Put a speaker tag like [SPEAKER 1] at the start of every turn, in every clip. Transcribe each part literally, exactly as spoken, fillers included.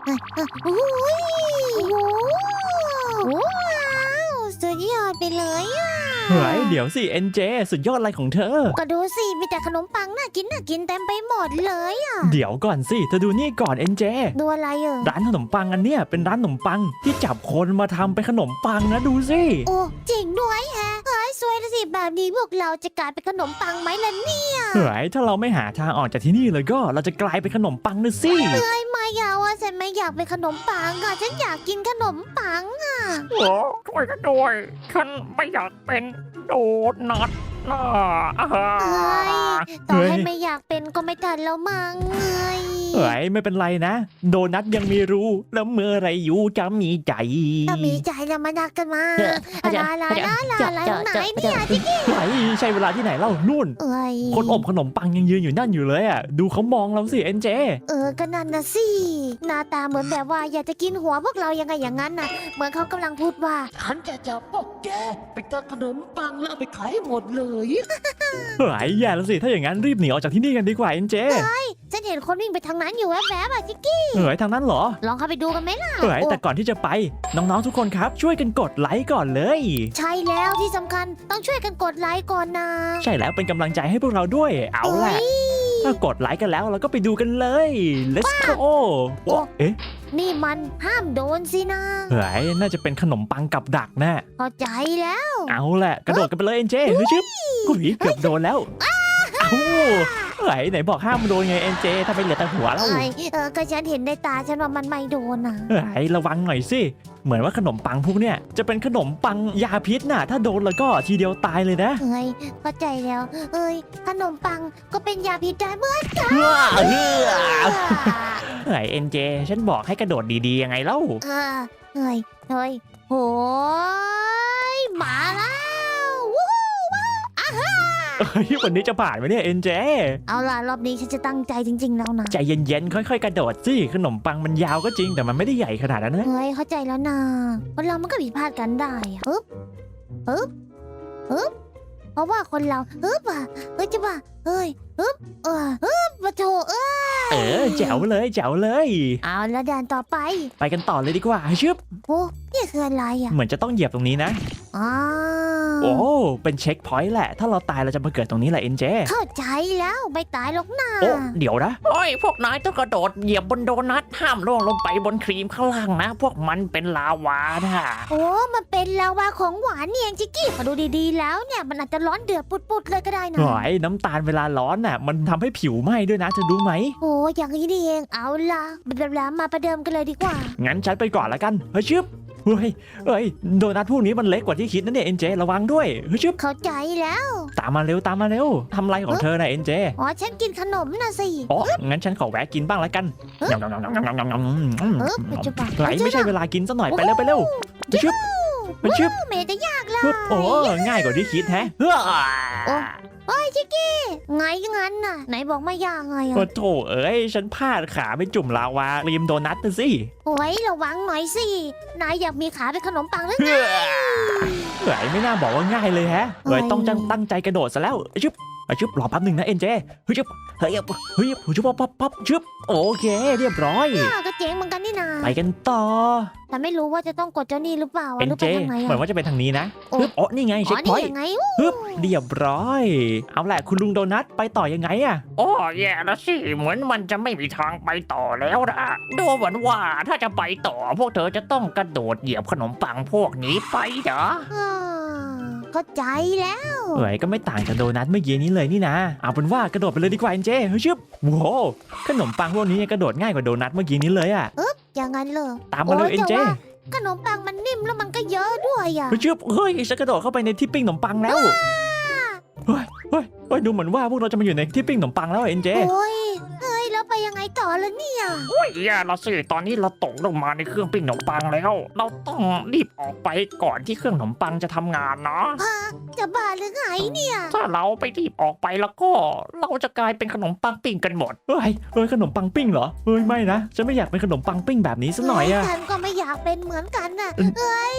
[SPEAKER 1] โอ้ยโอ้ว้าวสุดยอดไปเลยอ่ะ
[SPEAKER 2] เฮ้ยเดี๋ยวสิเอ็นเจสุดยอดอะไรของเธอ
[SPEAKER 1] ก็ดูสิมีแต่ขนมปังน่ากินน่ากินเต็มไปหมดเลยอ่ะ
[SPEAKER 2] เดี๋ยวก่อนสิเธอดูนี่ก่อนเอ็นเจ
[SPEAKER 1] ดูอะไรอ่ะ
[SPEAKER 2] ร้านขนมปังอันเนี้ยเป็นร้านขนมปังที่จับคนมาทำเป็นขนมปังนะดูสิ
[SPEAKER 1] โอ้จริงด้วยแฮะเฮ้ยสวยละสิแบบนี้พวกเราจะกลายเป็นขนมปังไหมล่ะเนี่ย
[SPEAKER 2] เฮ้ยถ้าเราไม่หาทางออกจากที่นี่เลยก็เราจะกลายเป็นขนมปังนะสิ
[SPEAKER 1] เฮ้ยไม่อยากว่าฉันไม่อยากเป็นขนมปังอ่ะฉันอยากกินขนมปังอ่ะ
[SPEAKER 3] โอ้ช่วยกันด้วยฉันไม่อยากเป็นโดนัทนะอ่า
[SPEAKER 1] เฮ้ยต่อให้ไม่อยากเป็นก็ไม่ทันแล้วมั้งเฮ้ย
[SPEAKER 2] เฮ้ยไม่เป็นไรนะ โดนัทยังมีรูแล้วเมื่อไรอยู่จะมีใจ
[SPEAKER 1] ถ้ามีใจแล้วมานักกันมา
[SPEAKER 2] เออ
[SPEAKER 1] ลาลาลาลาลาลาไหนเนี่ยที่
[SPEAKER 2] เฮ้ยใช่เวลาที่ไหนเล่านู่น
[SPEAKER 1] เอ้ย
[SPEAKER 2] คนอบขนมปังยังยืนอยู่นั่นอยู่เลยอ่ะดูเขามองเราสิเอ็นเจ
[SPEAKER 1] เออก็นั่นนะสิหน้าตาเหมือนแบบว่าอยากจะกินหัวพวกเรายังไงอย่างนั้นน่ะเหมือนเขากำลังพูดว่า
[SPEAKER 4] ฉันจะจับพวกแกไปตัดขนมปังแล้วเอาไปขายให้หมดเลย
[SPEAKER 2] เฮ้ยแย่แล้วสิถ้าอย่างนั้นรีบหนีออกจากที่นี่กันดีกว่าเอ็นเจ
[SPEAKER 1] ฉันเห็นคนวิ่งไปทางนั้นอยู่แวบๆอ่ะจิกกี้
[SPEAKER 2] เฮ้ยทางนั้นเหรอ
[SPEAKER 1] ลองเข้าไปดูกันไหมล่ะ
[SPEAKER 2] เฮ้ย
[SPEAKER 1] โอ้
[SPEAKER 2] แต่ก่อนที่จะไปน้องๆทุกคนครับช่วยกันกดไลค์ก่อนเลย
[SPEAKER 1] ใช่แล้วที่สำคัญต้องช่วยกันกดไลค์ก่อนนะ
[SPEAKER 2] ใช่แล้วเป็นกำลังใจให้พวกเราด้วยเอาแหละ
[SPEAKER 1] เอ้ย
[SPEAKER 2] ถ้ากดไลค์กันแล้วเราก็ไปดูกันเลย let's go โอ้เอ๊ะ
[SPEAKER 1] นี่มันห้ามโดนสินะ
[SPEAKER 2] เฮ้ยน่าจะเป็นขนมปังกับดักแน่
[SPEAKER 1] เข้าใจแล้ว
[SPEAKER 2] เอาแหละกระโดดกันไปเลยเอ็นเจเฮ้ยชึบกุยเกือบโดนแล้วเอ้าเฮ้ยไหนบอกห้ามโดนไงเอ็นเจถ้าไปเหลือแต่หัวแล้ว
[SPEAKER 1] เอ้ยเออก็ฉันเห็นในตาฉันว่ามันไม่โดนนะ
[SPEAKER 2] เฮ้ยระวังหน่อยสิเหมือนว่าขนมปังพวกเนี้ยจะเป็นขนมปังยาพิษน่ะถ้าโดนแล้วก็ทีเดียวตายเลยนะ
[SPEAKER 1] เอ้ยเข้าใจแล้ว เอ้ยขนมปังก็เป็นยาพิษได้เมื่อ
[SPEAKER 2] เฮ้อเฮ้อเฮ้ยเอ็นเจฉันบอกให้กระโดดดีๆยังไงเล่า
[SPEAKER 1] เออเฮ้ยเฮ้ยโหยมาแล้ววู้ว้าวอ่าฮ่า
[SPEAKER 2] เฮ้ยวันนี้จะผ่านไหมเนี่ยเอ็นเจ
[SPEAKER 1] เอาล่ะรอบนี้ฉันจะตั้งใจจริง ๆ แล้วนะ
[SPEAKER 2] ใจเย็นๆ ค่อยๆ กระโดดสิ ขนมปังมันยาวก็จริงแต่มันไม่ได้ใหญ่ขนาดนั้นนะ
[SPEAKER 1] เฮ้ยเข้าใจแล้วนะคนเรามันก็ผิดพลาดกันได้อะฮึบฮึบฮึบเพราะว่าคนเราฮึบอ่ะเฮ้ยจะว่าเฮ้ยฮึบเออฮึบปะโถเอ้ย
[SPEAKER 2] เออแจ๋วเลยแจ๋วเลย
[SPEAKER 1] เอาแล้วด่านต่อไป
[SPEAKER 2] ไปกันต่อเลยดีกว่าชึบ
[SPEAKER 1] โอ้นี่คืออะไรอ่ะ
[SPEAKER 2] เหมือนจะต้องเหยียบตรงนี้นะ
[SPEAKER 1] อ๋อ
[SPEAKER 2] โอ้เป็นเช็คพอยต์แหละ ถ้าเราตายเราจะมาเกิดตรงนี้แหละเอ็นเจ
[SPEAKER 1] เข้าใจแล้วไม่ตายหรอกนะ
[SPEAKER 2] โอ้เดี๋ยวนะ
[SPEAKER 3] โอ้ยพวกนายต้องกระโดดเหยียบบนโดนัทห้ามล่วงลงไปบนครีมข้างล่างนะ พวกมันเป็นลาวานะ
[SPEAKER 1] โอ้มันเป็นลาวาของหวานเนี่ยเองจิกกี้มาดูดีๆแล้วเนี่ยมันอาจจะร้อนเดือดปุดๆเลยก็ได้นะ
[SPEAKER 2] หอยน้ำตาลเวลาร้อนน่ะ มันทำให้ผิวไหม้ด้วยนะเธอรู้ไหม
[SPEAKER 1] โอ้อย่างนี้นี่เองเอาล่ะแบบแล้วมาประเดิมกันเลยดีกว่า
[SPEAKER 2] งั้นฉันไปก่อนละกัน เฮ้ยชึบเฮ้ยเฮ้ย โดนัทพวกนี้มันเล็กกว่าที่คิดนะเนี่ยเอ็นเจระวังด้วย เฮ้ยชึบ
[SPEAKER 1] เข้าใจแล้ว
[SPEAKER 2] ตามมาเร็วตามมาเร็วทำไรของเธอน่ะเอ็นเจ
[SPEAKER 1] อ๋อฉันกินขนมนะสิ
[SPEAKER 2] อ๋อ งั้นฉันขอแวะกินบ้างละกัน
[SPEAKER 1] เอ๊ะ
[SPEAKER 2] ยำยำยำยำยำยำยำ
[SPEAKER 1] เออปัจจุบัน
[SPEAKER 2] ไหลไม่ใช่เวลากินซะหน่อยไปเร็วไปเร็วไปชึบไปชึบ
[SPEAKER 1] เมย์จะยากเลย
[SPEAKER 2] ปึ๊บโอ้ง่ายกว่าที่คิดแฮะเฮ้อ
[SPEAKER 1] โอ้โอ้ยจิกกี้ไงงั้นน่ะ ไหนบอกไม่ยากไง
[SPEAKER 2] โอ้
[SPEAKER 1] อ่ะ
[SPEAKER 2] โถเอ้ย ฉันพลาดขาไปจุ่มลาวาริมโดนัทนะสิ
[SPEAKER 1] โอ้ยระวังหน่อยสินายอยากมีขาเป็นขนมปังหรือไง
[SPEAKER 2] เฮ้อเฮ้ยไม่น่าบอกว่าง่ายเลยแฮะเฮ้ยต้องจังตั้งใจกระโดดซะแล้วชึบชึบรอแป๊บหนึ่งนะเอ็นเจเฮ้ยชึบเฮ้ยเฮ้ยชึบปั๊บปั๊บปั๊บชึบโอเค เรียบร้อย
[SPEAKER 1] อ้าวก็เจ๋งเหมือนกันนี่นา
[SPEAKER 2] ไปกันต่อ
[SPEAKER 1] แต่ไม่รู้ว่าจะต้องกดเจ้านี่หรือเปล่า
[SPEAKER 2] เอ็
[SPEAKER 1] อะ
[SPEAKER 2] น
[SPEAKER 1] หรือ
[SPEAKER 2] เจ
[SPEAKER 1] ไปทางไหน
[SPEAKER 2] เหมือน
[SPEAKER 1] อ่ะ
[SPEAKER 2] ว่าจะเป็นทางนี้นะ
[SPEAKER 1] โอ้
[SPEAKER 2] ปึ๊บอ๋อนี่ไง
[SPEAKER 1] อ๋
[SPEAKER 2] เช็
[SPEAKER 1] อ
[SPEAKER 2] คพ
[SPEAKER 1] นี่
[SPEAKER 2] อยต์
[SPEAKER 1] ยังไง
[SPEAKER 2] ปึ๊บเรียบร้อย เอาแหละคุณลุงโดนัทไปต่อยังไงอะ
[SPEAKER 3] โอ้แย่แล้วสิเหมือนมันจะไม่มีทางไปต่อแล้วนะดูเหมือนว่าถ้าจะไปต่อ พวกเธอจะต้องกระโดดเหยียบขนมปังพวกนี้ไปเหรอ
[SPEAKER 1] อ่าเข้าใจแล้ว
[SPEAKER 2] เอ้ยก็ไม่ต่างจากโดนัทเมื่อกี้นี้เลยนี่นะ เอาเป็นว่ากระโดดไปเลยดีกว่าเอ็นเจเฮ้ยชึบโว้วขนมปังพวกนี้กระโดดง่ายกว่าโดนัทเมื่อกี้นี้เลยอะ
[SPEAKER 1] อย่างนั้นเลย
[SPEAKER 2] ตามมาเลย
[SPEAKER 1] โอ้
[SPEAKER 2] เอ็นเจ
[SPEAKER 1] แต่ว่าขนมปังมันนิ่มแล้วมันก็เยอะด้วยอ่ะ
[SPEAKER 2] เฮ้ยชึบเฮ้ยฉันกระโดดเข้าไปในที่ปิ้งขนมปังแล้วเฮ้ยเฮ้ยเฮ้ยดูเหมือนว่าพวกเราจะมาอยู่ในที่ปิ้งขนมปังแล้วเอ็นเจ
[SPEAKER 1] โอ้ยเฮ้ยแล้วไปยังไงต่อละเนี่ย
[SPEAKER 3] โอ้ยแย่แล้วสิตอนนี้เราตกลงมาในเครื่องปิ้งขนมปังแล้ว เราต้องรีบออกไปก่อนที่เครื่องขนมปังจะทำงานเนาะ
[SPEAKER 1] จะบ้าหรือไงเนี่ย
[SPEAKER 3] ถ้าเราไปรีบออกไปแล้วก็ เราจะกลายเป็นขนมปังปิ้งกันหมด
[SPEAKER 2] เฮ้ยเฮ้ยขนมปังปิ้งเหรอเฮ้ยไม่นะฉันไม่อยากเป็นขนมปังปิ้งแบบนี้สักหน่อยอะ
[SPEAKER 1] ฉันก็ไม่อยากเป็นเหมือนกันน่ะ
[SPEAKER 2] อืม
[SPEAKER 1] เฮ้ย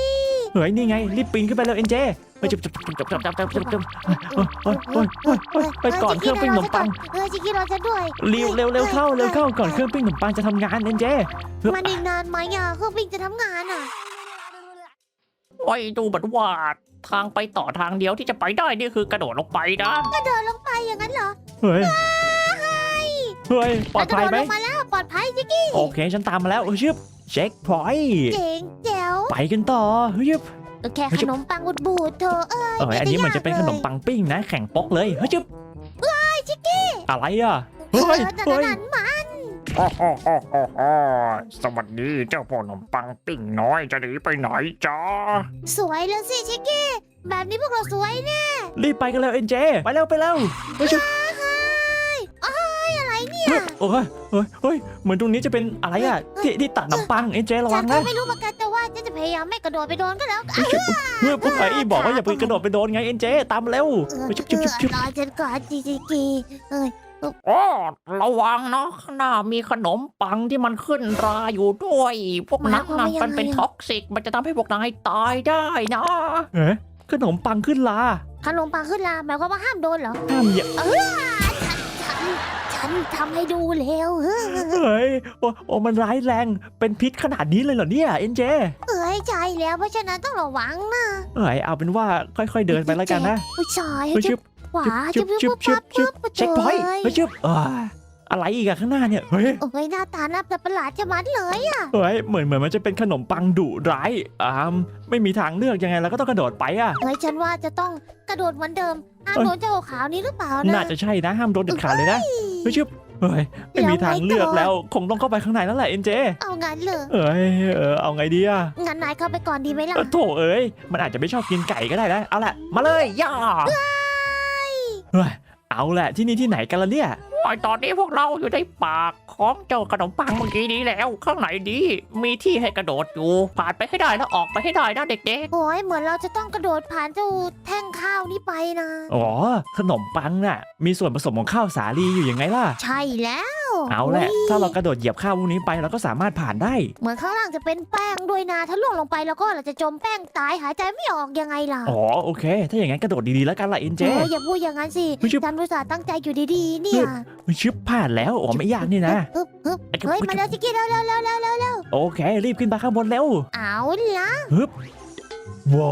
[SPEAKER 2] เฮ้ยนี่ไงรีบปีนขึ้นไปแล้วเอ็นเจไปจับจับจับจับจับจับจับจับไปก่อนเครื่องปิ้งขนมปัง
[SPEAKER 1] เออจิกกี้รอฉันด้วย
[SPEAKER 2] เร็วเร็วเร็วเข้าเร็วเข้าก่อนเครื่องปิ้งขนมปังจะทำงานเอ็นเจ
[SPEAKER 1] มันอีกนานไหมอ่ะเครื่องบินจะทำงานอ่ะ
[SPEAKER 3] ไว้ดูเหมือนว่าทางไปต่อทางเดียวที่จะไปได้นี่คือกระโดดลงไปนะ
[SPEAKER 1] ก็เดินลงไปอย่างนั้นเหรอ
[SPEAKER 2] เฮ้ยเฮ้ยปลอดภัยไหม
[SPEAKER 1] กระโดดลงมาแล้วปลอดภัยจิกกี้
[SPEAKER 2] โอเคฉันตามมาแล้วเฮ้ยชิบเช็คพอยต์
[SPEAKER 1] เจ๋งแจ๋ว
[SPEAKER 2] ไปกันต่อเฮ้ยชิบ
[SPEAKER 1] แค่ขนมปังอุดบูดเธอเอ้ย
[SPEAKER 2] เอออันนี้เหมือนจะเป็นขนมปังปิ้งนะแข่งป๊อกเลยเฮ้ยชิบอะไรอ่ะ
[SPEAKER 1] เฮ้
[SPEAKER 2] เฮ้
[SPEAKER 1] ย
[SPEAKER 2] ย
[SPEAKER 1] นั่น
[SPEAKER 2] เฮ้ย
[SPEAKER 1] นั่นมา
[SPEAKER 3] โอ้โหโอ้โหโอ้สวัสดีเจ้าพ่อขนมปังปิ้งน้อยจะหนีไปไหนจ๊ะ
[SPEAKER 1] สวยแล้วสิชิกกี้แบบนี้พวกเราสวยแน่
[SPEAKER 2] รีบไปกันแล้วเอ็นเจไปแล้วไปแล้วเฮ้ยชิบ
[SPEAKER 1] เฮ้ยเอ้ยอะไรเนี่ย
[SPEAKER 2] เฮ้ยโอ้ยเฮ้ยเฮ้ยเหมือนตรงนี้จะเป็นอะไรอ่ะที่ที่ตัดขนมปังเอ็นเจระ
[SPEAKER 1] ฉั
[SPEAKER 2] วัน ง
[SPEAKER 1] ก็
[SPEAKER 2] นะ
[SPEAKER 1] ไม่รู้เหมือนกันแต่ว่าฉันจะพยายามไม่กระโดดไปโดนก็แล้ว
[SPEAKER 2] เฮ้ยชิบเฮ้ยพวกไอ้บอกว่าอย่าไปกระโดดไปโดนไงเอ็นเจตามมาเร็ว
[SPEAKER 1] เออ
[SPEAKER 2] เฮ้ยชิบชิบชิบชิบ
[SPEAKER 1] รอฉันก่อนจิกกี้เอ้ย
[SPEAKER 3] โอ้ระวังเนาะข้างหน้ามีขนมปังที่มันขึ้นราอยู่ด้วย พวกนั้นน่ะมันเป็นท็อกซิกมันจะทำให้พวกนายตายได้นะ
[SPEAKER 2] เอ๊ะขนมปังขึ้นลา
[SPEAKER 1] ขนมปังขึ้นลาหมายความว่าห้ามโดนเหรอ
[SPEAKER 2] ห้ามอย่า
[SPEAKER 1] เออฉันฉันทำให้ดูแล้วเออ
[SPEAKER 2] เฮ้ยโอ้โอ้มันร้ายแรงเป็นพิษขนาดนี้เลยเหรอเนี่ยเอ็นเจ
[SPEAKER 1] เอ้ยใจแล้วเพราะฉะนั้นต้องระวังนะ
[SPEAKER 2] เฮ้ยเอาเป็นว่าค่อยๆเดินไปแล้วกันนะ
[SPEAKER 1] ผู้ชาย
[SPEAKER 2] เฮ้ย
[SPEAKER 1] จะ
[SPEAKER 2] ชิบ
[SPEAKER 1] ขวา
[SPEAKER 2] ชิ
[SPEAKER 1] จะ
[SPEAKER 2] บ
[SPEAKER 1] ปุ๊บ
[SPEAKER 2] ชิบ
[SPEAKER 1] ปุ๊บ
[SPEAKER 2] ชิบ
[SPEAKER 1] ปั๊บ
[SPEAKER 2] ชิบ
[SPEAKER 1] ปุ๊บ
[SPEAKER 2] เช็คพอยต์
[SPEAKER 1] เอ้ย
[SPEAKER 2] เฮ้ยชิบเอ้ยอะไรอีกอะข้างหน้าเนี่ยเฮ้ย
[SPEAKER 1] โอ้ยหน้าตาน่าประหลาดจะมัดเลยอะ
[SPEAKER 2] เฮ้ยเหมือนเหมือนมันจะเป็นขนมปังดุร้ายอ่าไม่มีทางเลือกยังไงเราก็ต้องกระโดดไปอะ
[SPEAKER 1] เฮ้ยฉันว่าจะต้องกระโดดเหมือนเดิมห้าม
[SPEAKER 2] เอ้ย
[SPEAKER 1] โดนเจ้าขาวนี้หรือเปล่านะ
[SPEAKER 2] น่าจะใช่นะห้ามโดนเด็ดขาดเลยนะเฮ้ยชิบเฮ้ยไม่มีทางเลือกแล้วคงต้องเข้าไปข้างในแล้วแหละเอ็นเจ
[SPEAKER 1] เอางั้นเลย
[SPEAKER 2] เอ้ยเออเอาไงดีอะ
[SPEAKER 1] งั้นนายเข้าไปก่อนดีไหมล่ะ
[SPEAKER 2] เออโถเอ้ยมันอาจจะไม่ชอบกินไก่ก็ได้นะเอาละมาเลยย่าเฮ้ยเอาแหละที่นี่ที่ไหนกันล่ะเนี่ย
[SPEAKER 3] ไอตอนนี้พวกเราอยู่ในปากของเจ้าขนมปังเมื่อกี้นี้แล้ว ข้างในดีมีที่ให้กระโดดอยู่ผ่านไปให้ได้แล้วออกไปให้ได้นะเด็ก
[SPEAKER 1] โอ้ยเหมือนเราจะต้องกระโดดผ่านเจ้าแท่งข้าวนี้ไปนะ
[SPEAKER 2] อ๋อขนมปังน่ะมีส่วนผสมของข้าวสาลีอยู่ยังไงล่ะ
[SPEAKER 1] ใช่แล้ว
[SPEAKER 2] เอาแหละ
[SPEAKER 1] ย
[SPEAKER 2] ถ้าเรากระโดดเหยียบข้าวพวกนี้ไปเราก็สามารถผ่านได้
[SPEAKER 1] เหมือนข้างล่างจะเป็นแป้งด้วยนะ ถ้าล่วงลงไปแล้วก็เราจะจมแป้งตายหายใจไม่ออกยังไงล่ะ
[SPEAKER 2] อ๋อโอเค ถ้าอย่างนั้นกระโดดดีๆแล้วกันล่ะเอ็นเจ
[SPEAKER 1] โอ้ยอย่าพูดอย่างนั้นสิ
[SPEAKER 2] เฮ้ยชิบ
[SPEAKER 1] ฉันรู้สึกตั้งใจอยู่ดีๆเนี่ย
[SPEAKER 2] ชึบผ่านแล้วอ๋อไม่ยากนี่นะ
[SPEAKER 1] ฮึบฮึบเฮ้ยมาแล้วจิกกี้แล้วแล้วแล้วแล้วแล้ว
[SPEAKER 2] โอเครีบขึ้นไปข้างบนเร็ว
[SPEAKER 1] เอาละ
[SPEAKER 2] ว้าว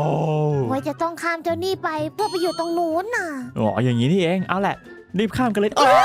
[SPEAKER 1] ไว้จะต้องข้ามเจ้านี่ไปเพื่อไปอยู่ตรงนู้นน่ะ
[SPEAKER 2] อ๋ออย่างนี้นี่เองเอาแหละรีบข้ามกันเลยอ้าว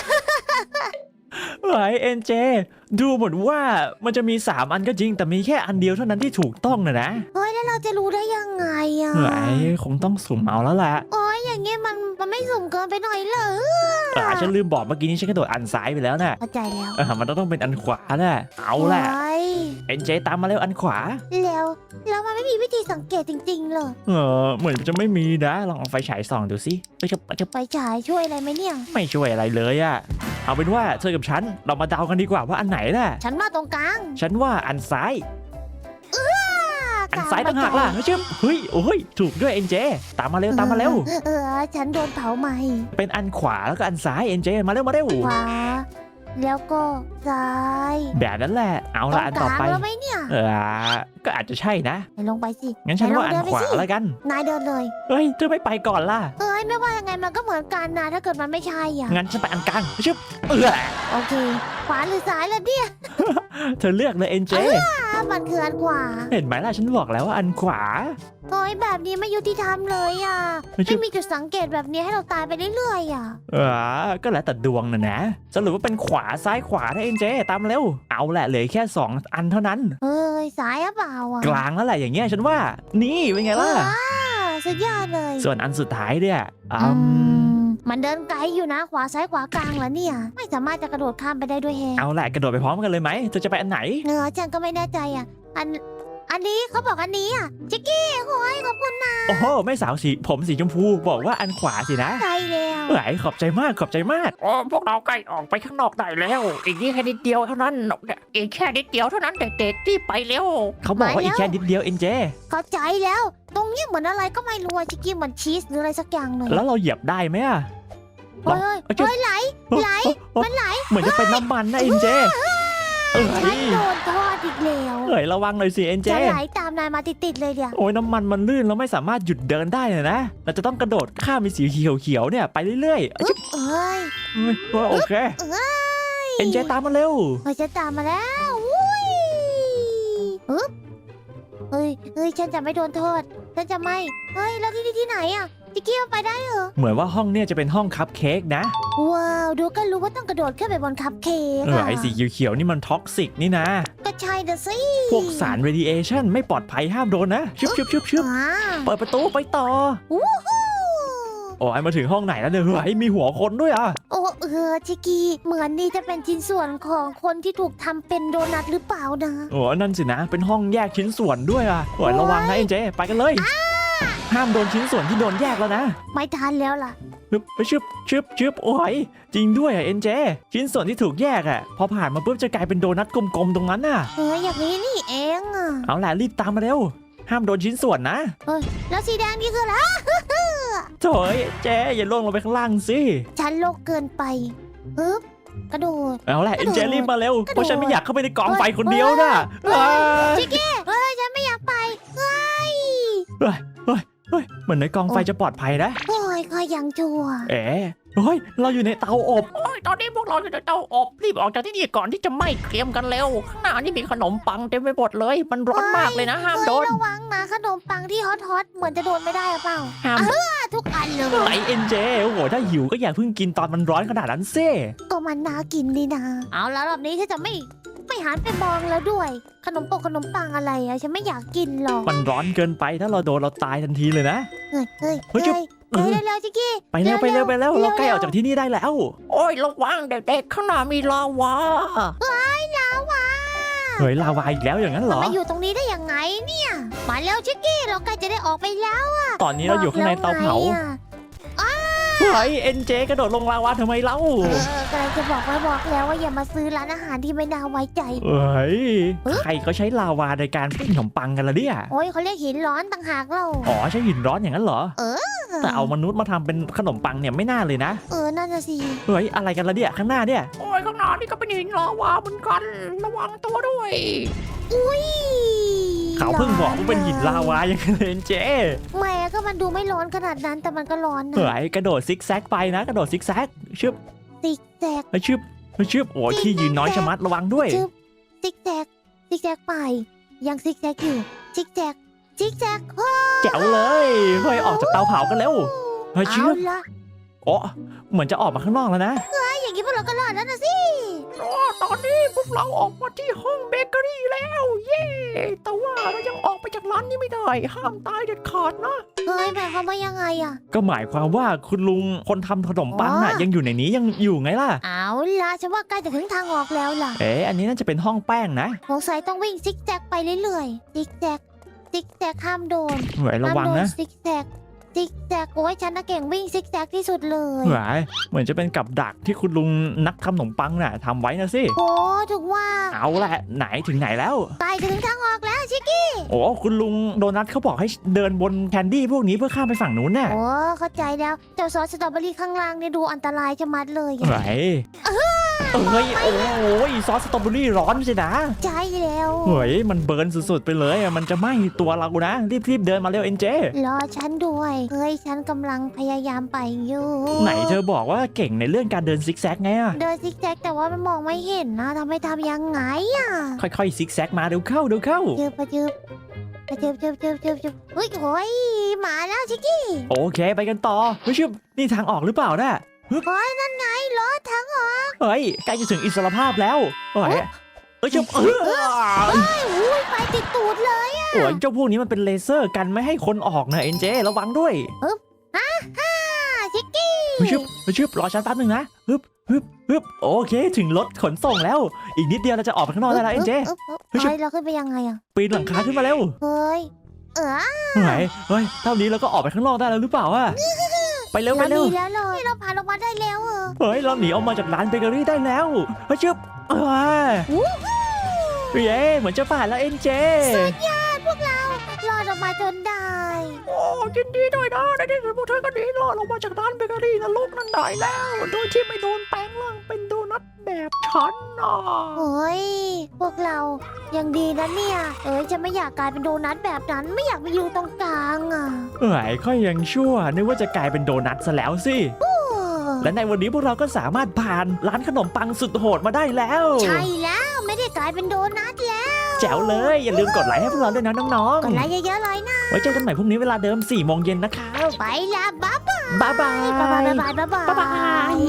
[SPEAKER 2] เฮ้ยเอ็นเจดูเหมือนว่ามันจะมีสามอันก็จริงแต่มีแค่อันเดียวเท่านั้นที่ถูกต้องนะนะ
[SPEAKER 1] เฮ้ยแล้วเราจะรู้ได้ยังไงอ่ะ
[SPEAKER 2] เฮ้ยคงต้องสุ่มเอาแล้วแหละ
[SPEAKER 1] โอ้ยอย่างเงี้ยมันมันไม่สุ่มเกินไปหน่อยเหรอ
[SPEAKER 2] เออฉันลืมบอกเมื่อกี้นี้ฉันกระโดดอันซ้ายไปแล้วน่ะ
[SPEAKER 1] เข้าใจแล้ว
[SPEAKER 2] เออมันต้องเป็นอันขวาน่ะเอาแหละ
[SPEAKER 1] โอ้ย
[SPEAKER 2] เอ็นเจตามมาเร็วอันขวา
[SPEAKER 1] แล้วแล้วมันไม่มีวิธีสังเกตจริงๆเลย
[SPEAKER 2] เออเหมือนจะไม่มีนะลองเอาไฟฉายส่องดูสิเอ้ยจะจะ
[SPEAKER 1] ไปฉายช่วยอะไรไหมเนี่ย
[SPEAKER 2] ไม่ช่วยอะไรเลยอะเอาเป็นว่าเธอกับฉันเรามาเดากันดีกว่าว่าอันไหนน่ะ
[SPEAKER 1] ฉันมาตรงกลาง
[SPEAKER 2] ฉันว่าอันซ้าย
[SPEAKER 1] อ่า
[SPEAKER 2] อันซ้ายต่างหากล่ะเฮ้ยเชื่อเฮ้ยโอ้ยถูกด้วยเอ็นเจตามมาเร็วตามมาเร็ว
[SPEAKER 1] เออฉันโดนเผาไหม
[SPEAKER 2] เป็นอันขวาแล้วก็อันซ้ายเอ็นเจมาเร็วมาเร็ว
[SPEAKER 1] ขวาแล้วก็ซ้าย
[SPEAKER 2] แบบนั้นแหละเอา
[SPEAKER 1] ตร
[SPEAKER 2] ละ
[SPEAKER 1] ง
[SPEAKER 2] อัน
[SPEAKER 1] ก
[SPEAKER 2] ต่อ
[SPEAKER 1] ลาง
[SPEAKER 2] ไป
[SPEAKER 1] แล้วไหมเนี่ย
[SPEAKER 2] เออก็อาจจะใช่นะ
[SPEAKER 1] ไหนลงไปสิ
[SPEAKER 2] งั้นฉันว่าอัน
[SPEAKER 1] ไหลง
[SPEAKER 2] ขวา
[SPEAKER 1] เดิไปสิ
[SPEAKER 2] แล้วกัน
[SPEAKER 1] นายเดินเลย
[SPEAKER 2] เฮ้ยเธอไม่ไปก่อนล่ะ
[SPEAKER 1] เอ้ยไม่ว่ายังไงมันก็เหมือนกันนะถ้าเกิดมันไม่ใช่อ่ะ
[SPEAKER 2] งั้นฉันไปอันกลางชึบเออ
[SPEAKER 1] โอเค ขวาหรือซ้ายล่ะเนี่ย
[SPEAKER 2] เธอเลือกเลยเอ็นเจ
[SPEAKER 1] อ่ามันคืออันขวา
[SPEAKER 2] เห็นไหมล่ะฉันบอกแล้วว่าอันขวา
[SPEAKER 1] โอ้ยแบบนี้ไม่ยุติธรรมเลยอ่ะ
[SPEAKER 2] ไม่ใช่
[SPEAKER 1] ไม่มีจุดสังเกตแบบนี้ให้เราตายไปเรื่อยๆอ่ะ
[SPEAKER 2] เออก็แล้วแต่ดวงนะนะสรุปว่าเป็นขวาซ้ายขวานะเอ็นเจตามเร็วเอาแหละเหลือแค่สองอันเท่านั้น
[SPEAKER 1] เอ้ยซ้ายหรือเปล่าอ่ะ
[SPEAKER 2] กลางแล้วแหละอย่างเงี้ยฉันว่า นี่เป็นไงล่ะ
[SPEAKER 1] ว้าวสุดยอดเลย
[SPEAKER 2] ส่วนอันสุดท้ายเนี่ยอื
[SPEAKER 1] อื
[SPEAKER 2] ม
[SPEAKER 1] มมันเดินไกลอยู่นะขวาซ้ายขวากลางแล้วเนี่ย ไม่สามารถจะกระโดดข้ามไปได้ด้วยแฮะ
[SPEAKER 2] เอาแหละกระโดดไปพร้อมกันเลยไหมเธอจะไปอันไหน
[SPEAKER 1] เนื้อฉันก็ไม่แน่ใจอ่ะ อัน อันนี้เขาบอกอันนี้อ่ะจิกกี้โอ้ยขอบคุณนะ
[SPEAKER 2] โอ้โหไม่สาวสีผมสีชมพูบอกว่าอันขวาสินะ
[SPEAKER 1] ใจแล้ว
[SPEAKER 2] เฮ้ยขอบใจมากขอบใจมาก
[SPEAKER 3] ๆโอ้พวกเราใกล้ออกไปข้างนอกได้แล้ว อีกนี่แค่นิดเดียวเท่านั้นอีกแค่นิดเดียวเท่านั้นเด็กๆที่ไปเร็ว
[SPEAKER 2] เขาบอกว่าอีกแค่นิดเดียวเอ็นเจ
[SPEAKER 1] เข้าใจแล้ว ตรงนี้เหมือนอะไรก็ไม่รู้อะจิกกี้เหมือนชีสหรืออะไรสักอย่างเลย
[SPEAKER 2] แล้วเราเหยียบได้ไหมอะ
[SPEAKER 1] เฮ้ยเฮ้ย
[SPEAKER 2] เอาจุ๊บ
[SPEAKER 1] เฮ้ยไหล ไหล มันไหล
[SPEAKER 2] เหมือนจะเป็นน้ำมันนะเอ็นเจเอ้
[SPEAKER 1] ฉัน
[SPEAKER 2] ย
[SPEAKER 1] โดนทอดอีกแล้ว
[SPEAKER 2] เฮ้ยระวังหน่อยสิเอ็นเจ
[SPEAKER 1] จะไหลตามนายมาติดๆเลยเดี๋ยว
[SPEAKER 2] โอ้ยน้ำมันมันลื่นแล้วไม่สามารถหยุดเดินได้เลยนะเราจะต้องกระโดดข้ามไปสีเขียวๆเนี่ยไปเรื่อยๆ
[SPEAKER 1] อึ๊บเอ้ย
[SPEAKER 2] เฮ้ยเฮ้ยโอเค
[SPEAKER 1] เอ้ย
[SPEAKER 2] เอ็นเจตามมาเร็ว
[SPEAKER 1] เฮ้ยจะตามมาแล้วอุ้ยอึ๊บเฮ้ยเฮ้ยฉันจะไม่โดนโทษฉันจะไม่เฮ้ยแล้วที่นี่ที่ไหนอ่ะจิกกี้เอาไปได้เหรอ
[SPEAKER 2] เหมือนว่าห้องเนี่ยจะเป็นห้องคัพเค้กนะ
[SPEAKER 1] ว้าวดูก็รู้ว่าต้องกระโดดขึ้นไปบนคัพเค้ก
[SPEAKER 2] เออ
[SPEAKER 1] อะ
[SPEAKER 2] ไอสีเขียวๆนี่มันท็อกซิกนี่นะ
[SPEAKER 1] ก็ใช่นะสิ
[SPEAKER 2] พวกสารเรดิเอชันไม่ปลอดภัยห้ามโดนนะชึบชึบชึบชึบ
[SPEAKER 1] ว้า
[SPEAKER 2] เปิดประตูไปต่อ
[SPEAKER 1] วู้ฮู้
[SPEAKER 2] โอ้ยมาถึงห้องไหนแล้วเนี่ยเฮ้ยมีหัวคนด้วยอ่ะ
[SPEAKER 1] โอ้เออชิกกี้เหมือนนี่จะเป็นชิ้นส่วนของคนที่ถูกทำเป็นโดนัทหรือเปล่านะ
[SPEAKER 2] โอ้นั่นสินะ เป็นห้องแยกชิ้นส่วนด้วยอ่ะโอ้ยระวังนะเอ็นเจไปกันเลย ห้ามโดนชิ้นส่วนที่โดนแยกแล้วนะ
[SPEAKER 1] ไม่ทันแล้วล่ะ
[SPEAKER 2] ชึบไปชึบชึบชึบโอ้ยจริงด้วยอ่ะเอ็นเจชิ้นส่วนที่ถูกแยกอ่ะพอผ่านมาปุ๊บจะกลายเป็นโดนัทกลมๆตรงนั้นน่ะ
[SPEAKER 1] เฮ้ยอย่างนี้นี่เองอ่ะ
[SPEAKER 2] เอาแหละรีบตามมาเร็ว ห้ามโดนชิ้นส่วนนะ
[SPEAKER 1] แล้วสีแดงนี่คืออะไร
[SPEAKER 2] โถ่เอ็นเจอย่าล่วงลงไปข้างล่างสิ
[SPEAKER 1] ฉันโลกเกินไปปึ๊บกระโดด
[SPEAKER 2] เอาแหละเอ็นเจรีบมาเร็ว
[SPEAKER 1] กระโดด
[SPEAKER 2] เพราะฉันไม่อยากเข้าไปในกองไฟคนเดียวนะ
[SPEAKER 1] เฮ้ย
[SPEAKER 2] อ้าย
[SPEAKER 1] ชิกกี้เฮ้ยฉันไม่อยากไปเฮ้ย
[SPEAKER 2] เฮ้ยเฮ้ยเฮ้ยเหมือนในกองไฟจะปลอดภัยนะ
[SPEAKER 1] โอ้ยก็ยังชั่ว
[SPEAKER 2] เอ๋เฮ้ยเราอยู่ในเตาอบ
[SPEAKER 3] โอ้ยตอนนี้พวกเราอยู่ในเตาอบรีบออกจากที่นี่ก่อนที่จะไหม้เกรียมกันเร็วข้างหน้านี่มีขนมปังเต็มไปหมดเลย มันร้อนมากเลยนะห้าม
[SPEAKER 1] เฮ้ย
[SPEAKER 3] โดน
[SPEAKER 1] ระวังนะขนมปังที่ฮอตฮอตๆเหมือนจะโดนไม่ได้หรือเปล่า
[SPEAKER 3] ห้าม
[SPEAKER 1] อ่ะทุกอันเลย
[SPEAKER 2] ไหนเอ็นเจโอ้โหถ้าหิวก็อย่าเพิ่งกินตอนมันร้อนขนาดนั้นเซ่
[SPEAKER 1] ก็มันน่ากินดีนะ เอาแล้วรอบนี้ฉันจะไม่ไม่หันไปมองแล้วด้วย ขนมปกขนมปังอะไรอะฉันไม่อยากกินหรอก
[SPEAKER 2] มันร้อนเกินไปถ้าเราโดนเราตายทันทีเลยนะ
[SPEAKER 1] เฮ้ยเฮ้ย
[SPEAKER 2] เฮ้ยจุ๊บ
[SPEAKER 1] เฮ้ยเร็วๆจิกกี้
[SPEAKER 2] ไปเร็วไปเร็วไปเร็ว
[SPEAKER 1] เร็ว
[SPEAKER 2] เราใกล้ออกจากที่นี่ได้แล้ว
[SPEAKER 3] โอ้ยระวังเด็กๆข้างหน้ามีลาวา
[SPEAKER 1] ลาวา
[SPEAKER 2] เฮ้ยลาวาอีกแล้วอย่างนั้นเหรอ
[SPEAKER 1] มาอยู่ตรงนี้ได้ยังไงเนี่ย มาแล้วชิกกี้เราใกล้จะได้ออกไปแล้ว
[SPEAKER 2] ตอนนี้เราอยู่ข้างในเตาเผา
[SPEAKER 1] บอกแล้วไงอะ
[SPEAKER 2] เฮ้ยเอ็นเจกระโดดลงลาวาทำไมเล่า
[SPEAKER 1] เออกำลังจะบอกไว้บอกแล้วว่าอย่ามาซื้อร้านอาหารที่ไม่น่าไว้ใจ
[SPEAKER 2] เฮ้ย
[SPEAKER 1] เอ๊ะ
[SPEAKER 2] ใครเขาใช้ลาวาในการปิ้งขนมปังกันล่ะเนี่ย
[SPEAKER 1] โอ้ยเขาเรียกหินร้อนต่างหากเรา
[SPEAKER 2] อ๋อใช้หินร้อนอย่างนั้นเหรอ
[SPEAKER 1] เออ
[SPEAKER 2] แต่เอามนุษย์มาทำเป็นขนมปังเนี่ยไม่น่าเลยนะ
[SPEAKER 1] เออนั่นน่ะสิ
[SPEAKER 2] เฮ้ยอะไรกันล่ะเนี่ยข้างหน้าเนี่ย
[SPEAKER 3] โอ้ยข้างหน้านี่ก็เป็นหินลาวาเหมือนกันระวังตัวด้วย
[SPEAKER 1] อุ้ย
[SPEAKER 2] เขาเพิ่งบอกว่าเป็นหินลาวาอย่างนั้นเลยเอ็นเจ
[SPEAKER 1] แหม่ก็มันดูไม่ร้อนขนาดนั้นแต่มันก็ร้อนนะ
[SPEAKER 2] เฮ้ยกระโดดซิกแซกไปนะ กระโดดซิกแซกชึบ
[SPEAKER 1] ซิกแซก
[SPEAKER 2] เฮ้ยชึบเฮ้ยชึบโอ้ยที่ยืนน้อยชะมัดระวังด้วย
[SPEAKER 1] ชึบซิกแซกซิกแซกไป ยังซิกแซกอยู่ซิกแซกซิกแซกโอ้
[SPEAKER 2] แจ๋วเลยเฮ้ยออกจากเตาเผากันเร็วเฮ้ยชึ
[SPEAKER 1] เอา
[SPEAKER 2] บ
[SPEAKER 1] ละ
[SPEAKER 2] โอ้เหมือนจะออกมาข้างนอกแล้วนะ
[SPEAKER 1] อย่างนี้พวกเราก็รอดแล้วนะสิ
[SPEAKER 3] โอ้ตอนนี้พวกเราออกมาที่ห้องเบเกอรี่แล้ว เย้แต่ว่าเรายังออกไปจากร้านนี้ไม่ได้ ห้ามตายเด็ดขาดนะ
[SPEAKER 1] เฮ้ยหมายความว่ายังไงอะ
[SPEAKER 2] ก็หมายความว่าคุณลุงคนทำขนมปังน่ะ
[SPEAKER 1] อ๋อ
[SPEAKER 2] ยังอยู่ในนี้ยังอยู่ไงล่ะ
[SPEAKER 1] เอาละฉันว่าใกล้จะถึงทางออกแล้วล่ะ
[SPEAKER 2] เอ๊ะอันนี้น่าจะเป็นห้องแป้งนะ
[SPEAKER 1] สงสัยต้องวิ่งซิกแซกไปเรื่อยๆซิกแซกซิกแซกห้ามโดน
[SPEAKER 2] เฮ้ยระวัง
[SPEAKER 1] ห้ามโด
[SPEAKER 2] นะ
[SPEAKER 1] ซิกแซกซิกแซกโอ้ยฉันน่ะเก่งวิ่งซิกแซกที่สุดเลย
[SPEAKER 2] เฮ้ยเหมือนจะเป็นกับดักที่คุณลุงนักทำขนมปังน่ะทำไว้นะสิ
[SPEAKER 1] โอ้ถูกว่า
[SPEAKER 2] เอาแหละไหนถึงไหนแล้ว
[SPEAKER 1] ใกล้จะถึงทางออกแล้วชิคกี้
[SPEAKER 2] โอ้คุณลุงโดนัทเขาบอกให้เดินบนแคนดี้พวกนี้เพื่อข้ามไปฝั่งนู้นน่ะ
[SPEAKER 1] โอ้เข้าใจแล้วเจ้าซอสสตรอเบอรี่ข้างล่างเนี่ยดูอันตรายชะมัดเลย
[SPEAKER 2] เฮ้ยเอ้ยโอ้ยซอสสตรอเบอรี่ร้อนสินะ
[SPEAKER 1] ใช่แล้ว
[SPEAKER 2] เฮ้ยมันเบิร์นสุดๆไปเลยอะมันจะไหม้ตัวเรานะ รีบๆเดินมาเร็วเอ็นเจ
[SPEAKER 1] รอฉันด้วยเฮ้ยฉันกำลังพยายามไปอยู่
[SPEAKER 2] ไหนเธอบอกว่าเก่งในเรื่องการเดินซิกแซกไงอะ
[SPEAKER 1] เดินซิกแซกแต่ว่ามันมองไม่เห็นนะทำให้ทำยังไงอ่ะ
[SPEAKER 2] ค่อยๆซิกแซกมาเดี๋ยวเข้าเดี๋ยวเข้า
[SPEAKER 1] เจอปะเจอปะเจอเจอเจอเจอเจอเฮ้ยโอ้ยมาแล้วชิคกี้
[SPEAKER 2] โอเคไปกันต่อเฮ้ยชิบนี่ทางออกหรือเปล่าน่ะ
[SPEAKER 1] เฮ้ยนั่นไงรถทั้งออก
[SPEAKER 2] เฮ้ยใกล้จะถึงอิสรภาพแล้วเฮ้ยเอ้ยชิบเออ
[SPEAKER 1] เฮ้ยอุ้ยไปติดตูดเลย
[SPEAKER 2] โอ้ยเจ้าพวกนี้มันเป็นเลเซอร์กันไม่ให้คนออกนะเอ็นเจระวังด้วย
[SPEAKER 1] ฮ่าชิคกี้
[SPEAKER 2] เฮ้ยชิบเฮ้ยชิบรอฉันแป๊บนึงนะฮึบฮึบฮึบโอเคถึงรถขนส่งแล้ว อีกนิดเดียวเราจะออกไปข้างนอกได้แล้วเอ็นเจ
[SPEAKER 1] เฮ้
[SPEAKER 2] เฮ้ย
[SPEAKER 1] ยเราขึ้นไปยังไงอ่ะ
[SPEAKER 2] ปีนหลังคาขึ้นมาเร็ว
[SPEAKER 1] เฮ้ยเออ
[SPEAKER 2] เฮ้ยเฮ้ยเท่านี้เราก็ออกไปข้างนอกได้แล้วหรือเปล่าอะไปเร็วไป
[SPEAKER 1] เรา
[SPEAKER 2] เร็ว
[SPEAKER 1] ดีแล้วเลยเราผ่านออกมาได้แล้วเออ
[SPEAKER 2] เฮ้ยเราหนีออกมาจากร้านเบเกอรี่ได้แล้วเฮ้ยชิบเอ้ย
[SPEAKER 1] วู้
[SPEAKER 2] เย้เหมือนจะผ่านแล้วเอ็นเจ
[SPEAKER 1] สุดยอดพวกเรารอดออกมาจนได้
[SPEAKER 3] โอ้ยินดีด้วยนะในที่สุดพวกเธอก็หนีรอดออกมาจากร้านเบเกอรี่นรกนั่นได้แล้ว โดยที่ไม่โดนแปลงร่างเป็นโด
[SPEAKER 2] นัทแบบฉันน่ะ
[SPEAKER 1] โอ้ยพวกเรายังดีนะเนี่ย เอ้ยจะไม่อยากกลายเป็นโดนัทแบบนั้นไม่อยากมาอยู่ตรงกลางอ่ะ
[SPEAKER 2] เอ้ยค่อยยังชั่วนึกว่าจะกลายเป็นโดนัทซะแล้วสิ
[SPEAKER 1] โอ้
[SPEAKER 2] และในวันนี้พวกเราก็สามารถผ่านร้านขนมปังสุดโหดมาได้แล้ว
[SPEAKER 1] ใช่แล้วไม่ได้กลายเป็นโดนัทแล้ว
[SPEAKER 2] แจ๋วเลยอย่าลืมกดไลค์ให้พวกเราด้วยนะน้อง
[SPEAKER 1] กดไลค์เยอะๆเลยนะ
[SPEAKER 2] ๆไว้เจอกันใหม่พรุ่งนี้เวลาเดิมสี่โมงเย็นนะครับ
[SPEAKER 1] ไปละบ๊ายบาย
[SPEAKER 2] บ๊ายบาย
[SPEAKER 1] บ๊ายบายบ๊ายบายบ๊ายบาย
[SPEAKER 2] บ๊ายบาย